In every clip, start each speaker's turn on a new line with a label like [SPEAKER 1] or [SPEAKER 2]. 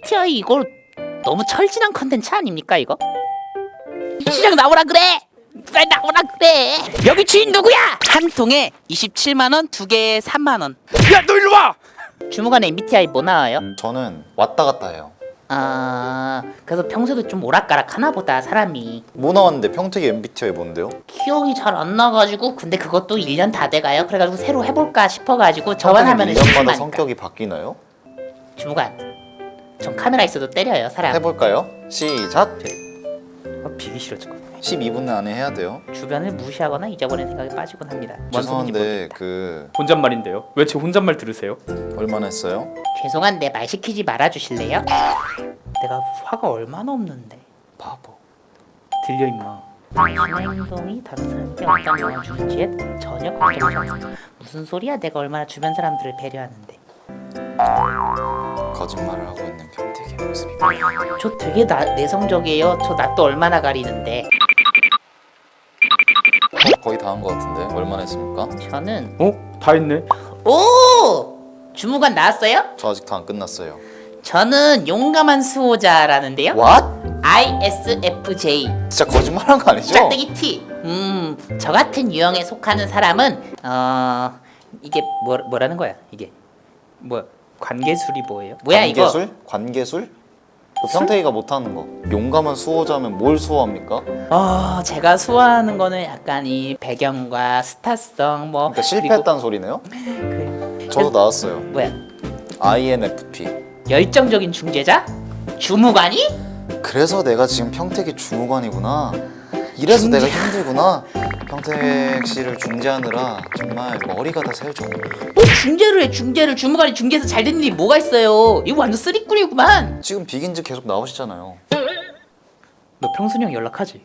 [SPEAKER 1] MBTI 이거 너무 철진한 컨텐츠 아닙니까 이거? 시장 나오라 그래! 왜 나오라 그래! 여기 주인 누구야? 한 통에 27만원, 두 개에 3만원.
[SPEAKER 2] 야, 너 일로 와!
[SPEAKER 1] 주무관에 MBTI 뭐 나와요?
[SPEAKER 3] 저는 왔다 갔다 해요.
[SPEAKER 1] 그래서 평소에도 좀 오락가락 하나 보다 사람이.
[SPEAKER 3] 뭐 나왔는데 평택이 MBTI 뭔데요?
[SPEAKER 1] 기억이 잘 안 나가지고 근데 그것도 1년 다 돼가요. 그래가지고 새로 해볼까 싶어가지고 저만 하면은
[SPEAKER 3] 1년마다
[SPEAKER 1] 심심하니까.
[SPEAKER 3] 성격이 바뀌나요?
[SPEAKER 1] 주무관 전 카메라 있어도 때려요 사람.
[SPEAKER 3] 해볼까요? 시작!
[SPEAKER 1] 비기 싫어 저거.
[SPEAKER 3] 12분 안에 해야 돼요.
[SPEAKER 1] 주변을 무시하거나 잊어버리는 생각에 빠지곤 합니다. 뭔 소리인지
[SPEAKER 3] 죄송한데
[SPEAKER 1] 모르겠다.
[SPEAKER 3] 그
[SPEAKER 2] 혼잣말인데요. 왜 제 혼잣말 들으세요?
[SPEAKER 3] 얼마나 했어요?
[SPEAKER 1] 죄송한데 말 시키지 말아주실래요? 내가 화가 얼마나 없는데.
[SPEAKER 3] 바보.
[SPEAKER 1] 들려 임마. 당신의 행동이 다른 사람에게 어떤 영향을 주는지에 전혀 걱정하지 않습니다. 무슨 소리야? 내가 얼마나 주변 사람들을 배려하는데.
[SPEAKER 3] 거짓말을 하고 있는 평택의 모습이
[SPEAKER 1] 저 되게 내성적이에요. 저 낯도 얼마나 가리는데.
[SPEAKER 3] 거의 다 한 것 같은데 얼마나 했습니까?
[SPEAKER 1] 저는
[SPEAKER 2] 다 했네.
[SPEAKER 1] 오! 주무관 나왔어요?
[SPEAKER 3] 저 아직 다 안 끝났어요.
[SPEAKER 1] 저는 용감한 수호자라는데요.
[SPEAKER 3] What?
[SPEAKER 1] ISFJ.
[SPEAKER 3] 진짜 거짓말한 거 아니죠?
[SPEAKER 1] 짝대기 T. 저 같은 유형에 속하는 사람은 이게 뭐라는 거야? 이게 뭐 관계술이 뭐예요? 뭐야
[SPEAKER 3] 관계술?
[SPEAKER 1] 이거?
[SPEAKER 3] 관계술? 그 평택이가 못하는 거. 용감한 수호자면 뭘 수호합니까?
[SPEAKER 1] 제가 수호하는 거는 약간 이 배경과 스타성 뭐.
[SPEAKER 3] 그러니까 실패했다는 소리네요? 저도 나왔어요.
[SPEAKER 1] 뭐야?
[SPEAKER 3] INFP.
[SPEAKER 1] 열정적인 중재자? 주무관이?
[SPEAKER 3] 그래서 내가 지금 평택의 주무관이구나. 이래서 내가 힘들구나. 평택 씨를 중재하느라 정말 머리가 다 새죠.
[SPEAKER 1] 뭐 중재를 해 중재를. 주무관이 중재해서 잘 된 일이 뭐가 있어요? 이거 완전 쓰리꾼이구만.
[SPEAKER 3] 지금 비긴즈 계속 나오시잖아요.
[SPEAKER 1] 너 평순이 형 연락하지?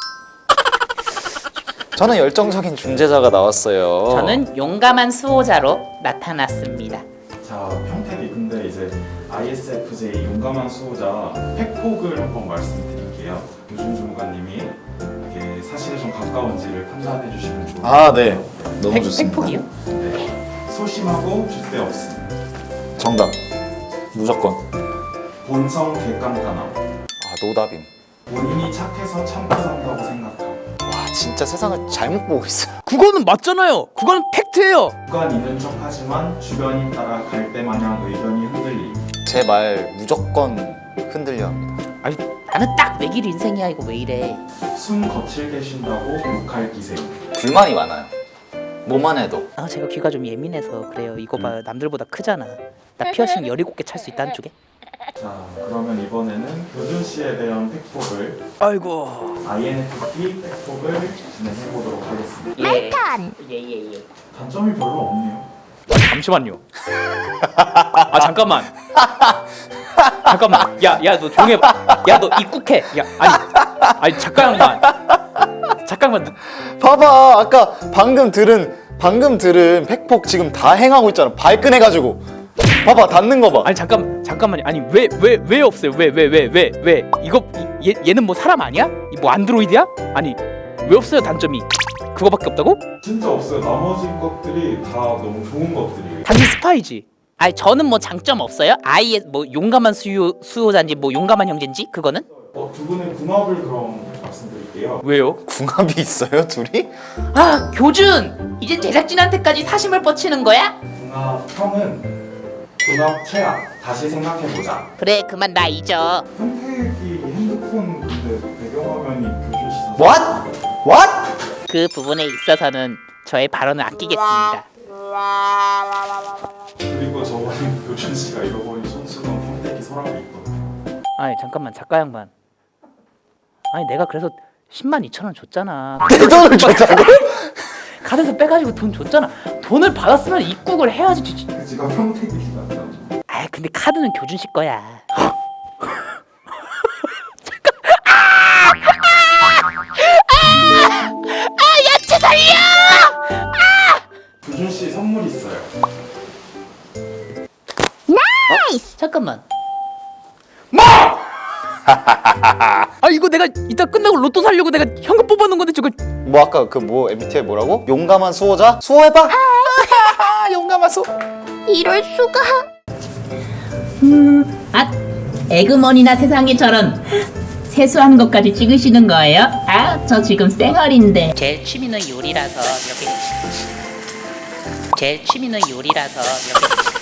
[SPEAKER 3] 저는 열정적인 중재자가 나왔어요.
[SPEAKER 1] 저는 용감한 수호자로 나타났습니다.
[SPEAKER 4] 자, 평택이 근데 이제 ISFJ 용감한 수호자 팩폭을 한번 말씀드릴게요. 유준 주무관님이 이게 사실에 좀 가까운지를 판단해 주시면 좋을 것
[SPEAKER 3] 아,
[SPEAKER 4] 같아요.
[SPEAKER 3] 네. 너무 좋습니다.
[SPEAKER 1] 팩폭이요?
[SPEAKER 4] 네. 소심하고 줏대 없음.
[SPEAKER 3] 정답. 무조건.
[SPEAKER 4] 본성 객관감함.
[SPEAKER 3] 노답임.
[SPEAKER 4] 본인이 착해서 참고 산다고 생각함.
[SPEAKER 3] 와, 진짜 세상을 잘못 보고 있어요.
[SPEAKER 2] 그거는 맞잖아요. 그거는 팩트예요.
[SPEAKER 4] 주관 있는 척하지만 주변인 따라 갈대마냥 의견이 흔들림.
[SPEAKER 3] 제 말 무조건 흔들려 합니다.
[SPEAKER 1] 나는 딱 내 길 인생이야. 이거 왜 이래?
[SPEAKER 4] 숨 거칠 계신다고 욕할 기세.
[SPEAKER 3] 불만이 많아요. 뭐만 해도.
[SPEAKER 1] 제가 귀가 좀 예민해서 그래요. 이거 봐, 남들보다 크잖아. 나 피어싱 17개 찰 수 있다 한쪽에.
[SPEAKER 4] 자, 그러면 이번에는 교준 씨에 대한 팩폭을
[SPEAKER 2] 아이고.
[SPEAKER 4] INFP 팩폭을 진행해 보도록 하겠습니다.
[SPEAKER 1] 예.
[SPEAKER 4] 단점이 별로 없네요.
[SPEAKER 2] 잠시만요. 잠깐만. 잠깐만. 야, 너 조용히 해봐. 야, 너 입국해. 야, 아니 잠깐만. 잠깐만.
[SPEAKER 3] 봐봐, 아까 방금 들은 팩폭 지금 다 행하고 있잖아. 발끈해가지고. 봐봐, 닿는 거 봐.
[SPEAKER 2] 아니 잠깐만요. 아니 왜 없어요? 왜? 이거 얘는 뭐 사람 아니야? 이 뭐 안드로이드야? 아니 왜 없어요 단점이? 그거밖에 없다고?
[SPEAKER 4] 진짜 없어요. 나머지 것들이 다 너무 좋은 것들이에요.
[SPEAKER 2] 단지 스파이지.
[SPEAKER 1] 아니 저는 뭐 장점 없어요? 아예 뭐 용감한 수호자인지 뭐 용감한 형제인지 그거는?
[SPEAKER 4] 두 분의 궁합을 그럼 말씀드릴게요.
[SPEAKER 2] 왜요?
[SPEAKER 3] 궁합이 있어요, 둘이?
[SPEAKER 1] 교준! 이젠 제작진한테까지 사심을 뻗치는 거야?
[SPEAKER 4] 궁합형은 궁합 최악. 다시 생각해보자.
[SPEAKER 1] 그래 그만 나 잊어.
[SPEAKER 4] 평택이 핸드폰 근데 배경화면이 교준 씨 사진.
[SPEAKER 3] What?
[SPEAKER 1] 그 부분에 있어서는 저의 발언을 아끼겠습니다.
[SPEAKER 4] 그리고 저번에 교준 씨가 잃어버린 손수건 평택이 서랍에 있거든요.
[SPEAKER 1] 아니 잠깐만 작가 양반. 아니 내가 그래서 102,000원 줬잖아.
[SPEAKER 3] 내 돈을 줬다고?
[SPEAKER 1] 카드에서 빼가지고 돈 줬잖아. 돈을 받았으면 입국을 해야지.
[SPEAKER 4] 그 지가 평택이 같다고.
[SPEAKER 1] 근데 카드는 교준 씨 거야. 야채 살려!
[SPEAKER 4] 교준 씨 선물 있어요.
[SPEAKER 1] 잠깐만.
[SPEAKER 2] 이거 내가 이따 끝나고 로또 사려고 내가 현금 뽑아놓은 건데 저거.
[SPEAKER 3] 뭐 아까 그 뭐 MBTI 뭐라고? 용감한 수호자? 수호해봐! 용감한 수호.
[SPEAKER 1] 이럴 수가. 에그머니나 세상에 저런 세수하는 것까지 찍으시는 거예요? 아, 저 지금 쌩얼인데. 제 취미는 요리라서 이렇게